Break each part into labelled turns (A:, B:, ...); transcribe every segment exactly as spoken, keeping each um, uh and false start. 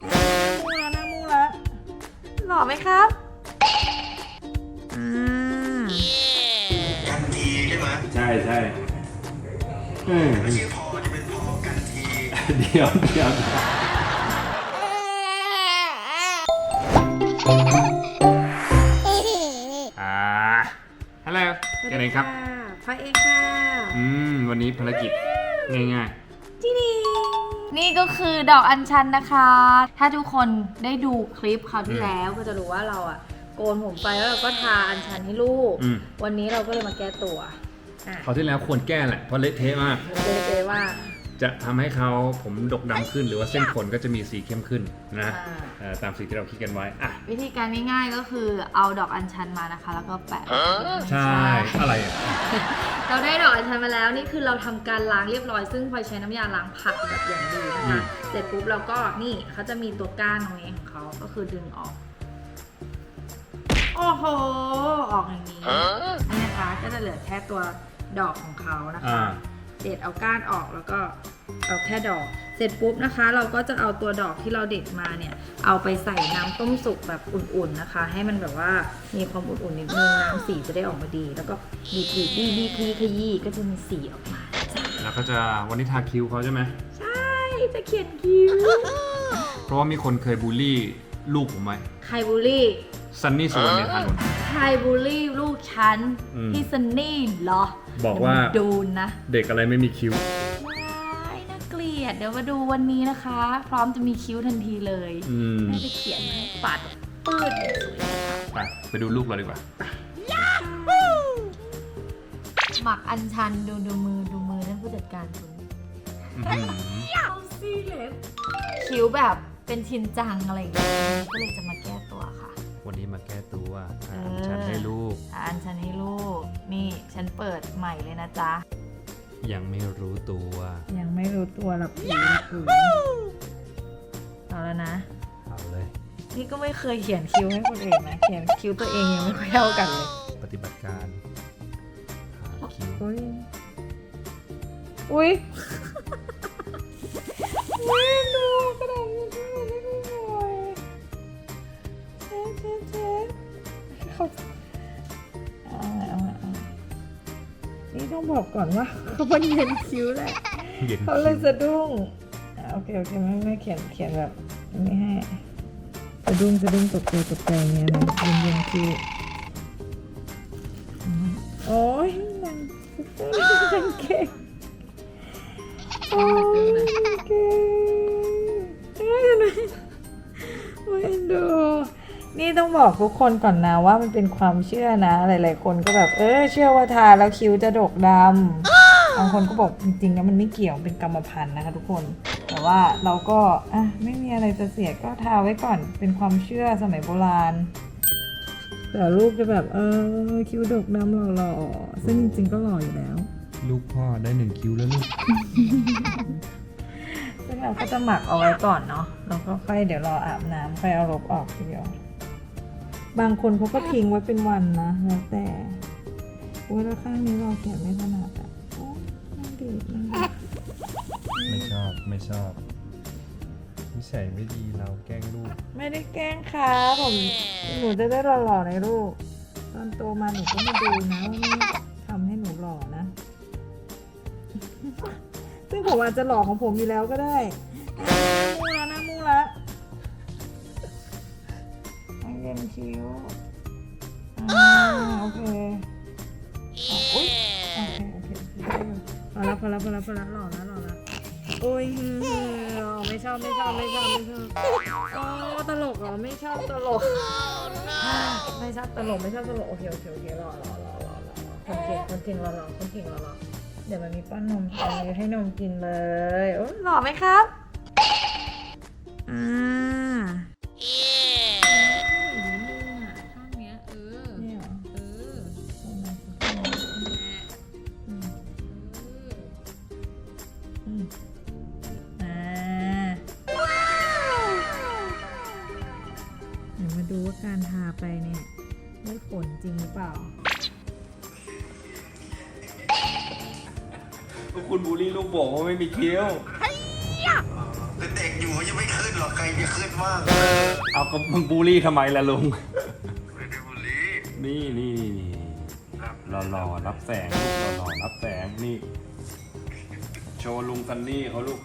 A: มูแล้วนะมูแล้วหล่อไหมครับอืม
B: กันทีใช่ไหม
C: ใช่ใช่
B: ไม่ใช่พอจะเป็นพอกันที
C: เดี๋ยวเดี๋ยวอ่าฮัลโหลกันเองครับ
A: พระเอกค่ะ
C: อืม วันนี้ภารกิจง่าย
A: ที่นี่นี่ก็คือดอกอัญชันนะคะ ถ้าทุกคนได้ดูคลิปคราวที่แล้วก็จะรู้ว่าเราอะโกนผมไปแล้วเราก็ทาอัญชันให้ลูก
C: อืม
A: วันนี้เราก็เลยมาแก้ตัวอ่ะ
C: ๆคราวที่แล้วควรแก้แหละ เพราะเละเทะมาก
A: เลยเลยว่า
C: จะทำให้เขาผมดกดำขึ้นหรือว่าเส้นขนก็จะมีสีเข้มขึ้นนะ
A: อ่า
C: เอ่อตามสีที่เราคิดกันไว้อ่ะ
A: วิธีการง่ายๆก็คือเอาดอกอัญชันมานะคะ แล้วก็แปะ
C: ใช่ อะไรอ่ะ
A: เราได้ดอกอัญชันมาแล้วนี่คือเราทำการล้างเรียบร้อยซึ่งพลอยใช้น้ำยาล้างผักแบบอย่างดีนะ
C: อื
A: คะ
C: ม
A: เสร็จปุ๊บเราก็นี่เขาจะมีตัวก้านตรงนี้ของเขาก็คือดึงออกโอ้โหออกอย่างนี้นี่นะคะก็จะเหลือแค่ตัวดอกของเขานะคะ
C: อ่า
A: เด็ดเอาก้านออกแล้วก็เอาแค่ดอก เสร็จปุ๊บนะคะ เราก็จะเอาตัวดอกที่เราเด็ดมาเนี่ยเอาไปใส่น้ำต้มสุกแบบอุ่นๆนะคะ ให้มันแบบว่ามีความอุ่นๆนิดนึงน้ำสีจะได้ออกมาดี แล้วก็บีบบีบบีบบีบขยี้ขยี้ก็จะมีสีออกมาจ้ะ
C: แล้วก็จะวันนี้ทาคิ้วเขาใช่ไหม
A: ใช่จะเขียนคิ้ว
C: เพราะว่ามีคนเคยบูลลี่ลูกผมไว้
A: ใครบูลลี่
C: ซันนี่สุวรรณเมธานนท์
A: ใครบูลลี่ลูกฉัน
C: อืม
A: พี่ซันนี่เหรอ
C: บอกว่า
A: เดี๋ยมดูนะ
C: เด็กอะไรไม่มีคิ้ว
A: ว้ายน่าเกลียดเดี๋ยวมาดูวันนี้นะคะ พร้อมจะมีคิ้วทันทีเลย
C: อืม
A: แม่จะเขียนให้ปัดปืดสวยนะคะ
C: ไปไปดูลูกเราดีกว่า
A: หมักอัญชันดูดูมือดูมือนั่นผู้จัดการคุณ
C: อื้อหือ
A: เอาซี่เล็บคิ้วแบบเป็นชินจังอะไรอย่างเงี้ยก็เลยจะมาแก้ตัวค่ะ
C: วันนี้มาแก้ตัว
A: เอ
C: อ่า
A: อ
C: ฉันให้ลูก
A: อัญชันให้ลูก นี่ฉันเปิดใหม่เลยนะจ๊ะ
C: ยังไม่รู้ตัว
A: ยังไม่รู้ตัวหรอกผีผีเอาแล้วนะ
C: เอาเลย
A: นี่ก็ไม่เคยเขียนคิ้วให้คนอื่นนะเขียนคิ้วตัวเองยังไม่ค่อยเท่ากันเลย
C: ปฏิบัติการหาคิ้ว
A: อุ้ย อุ้ยอุ้ยดูกระดาษนี้ด้วยไม่ได้หน่อยเช็ดเช็ดเช็ดเขาเอาละเอาละเอาละนี่ต้องบอกก่อนว่าเขาเป็นเย็นคิ้วแหละ
C: เย็น
A: เขาเลยสะดุ้งอ่ะโอเคโอเคไม่ไม่เขียนเขียนแบบไม่ให้สะดุ้งสะดุ้งตกใจตกใจเงี้ยนะเย็นเย็นคิ้วอืมโอ้ยนางนางเก่งโอ้ยนางเก่งเฮ้ยทำไมโอ้ยเอ็นดูนี่ต้องบอกทุกคนก่อนนะว่ามันเป็นความเชื่อนะหลายๆคนก็แบบเออเชื่อว่าทาแล้วคิ้วจะดกดำบางคนก็บอกจริงๆแล้วมันไม่เกี่ยวเป็นกรรมพันธุ์นะคะทุกคนแต่ว่าเราก็อ่ะไม่มีอะไรจะเสียก็ทาไว้ก่อนเป็นความเชื่อสมัยโบราณแต่ลูกจะแบบเออคิ้วดกดำหล่อๆซึ่งจริงๆก็หล่ออยู่แล้ว
C: ลูกพ่อได้หนึ่งคิ้วแล้วลูก
A: ซึ่งเราก็จะหมักเอาไว้ก่อนเนาะแล้วก็ค่อยเดี๋ยวรออาบน้ำค่อยเอาลบออกทีเดียวบางคนเขาก็ทิ้งไว้เป็นวันนะแล้วแต่โอ้ยแล้วข้างนี้เราเขียนไม่ถนัดอ่ะโอ้ยน่าดีดน่าดีด
C: ไม่ชอบไม่ชอบนิสัยไม่ดีเราแกล้งลูก
A: ไม่ได้แกล้งครับผมหนูจะได้หล่อๆในลูกตอนโตมาหนูก็มาดูนะว่าแม่ทำให้หนูหล่อนะ ซึ่งผมอาจจะหล่อของผมอยู่แล้วก็ได้มูแล้วนะมูละให้เย็นคิ้วอ่าโอเคอ่ะอุ๊ยโอเคโอเคได้อยู่พอละพอละพอละพอละหล่อแล้วหล่อแล้วโอ้ยฮือฮือไม่ชอบไม่ชอบไม่ชอบไม่ชอบโอ้ตลกเหรอไม่ชอบตลกไม่ชอบตลกไม่ชอบตลกโอเคโอเคโอเคหล่อหล่อหล่อหล่อหล่อคนเก่งคนเก่งหล่อหล่อคนเก่งหล่อหล่อเดี๋ยวมันมีป้อนนมไปให้นมกินเลยโอ้หล่อไหมครับอ่าข้างเนี้ยเออเนี่ยเหรอเอออืมอืมอ่าเดี๋ยวมาดูว่าการทาไปเนี่ยได้ผลจริงหรือเปล่า
C: คุณบูลลี่ลูกบอกว่าไม่มีคิ้ว
B: เป็นเด็กอยู่เขายังไม่ขึ้นหรอกใครจะขึ้นว่าง
C: เอาก็มึงบูลลี่ทำไมล่ะลุง
B: ไม่ได้บุรี
C: นี่นี่นี่รอรอรับแสงลูกรอรอรับแสงนี่ โชว์ลุงซันนี่เขาลูก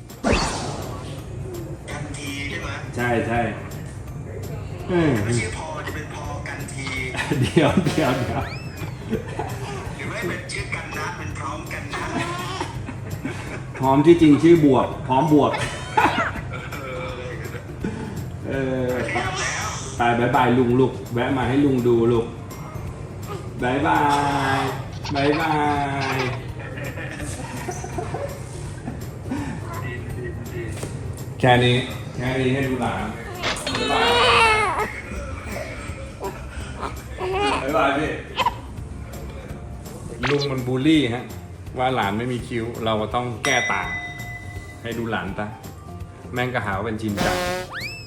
B: กันทีใช่ไหม
C: ใช่ใช่เออ
B: ไม่ใช่พอจะเป็นพอกันที
C: เดี๋ยวเดี๋ยวเดี๋ยว
B: หรือไม่เป็นชื่อกันนะเป็นพร้อมกันนะ
C: พร้อมที่จริงชื่อบวก พร้อมบวก เออไปบายบายลุงลูกแวะมาให้ลุงดูลูกบายบายบายบายแค่นี้แค่นี้ให้ดูหลานบายบายบายบายพี่ลุงมันบูลลี่ฮะว่าหลานไม่มีคิ้วเราก็ต้องแก้ต่างให้ดูหลานตาแม่งก็หาว่าเป็นชินจัง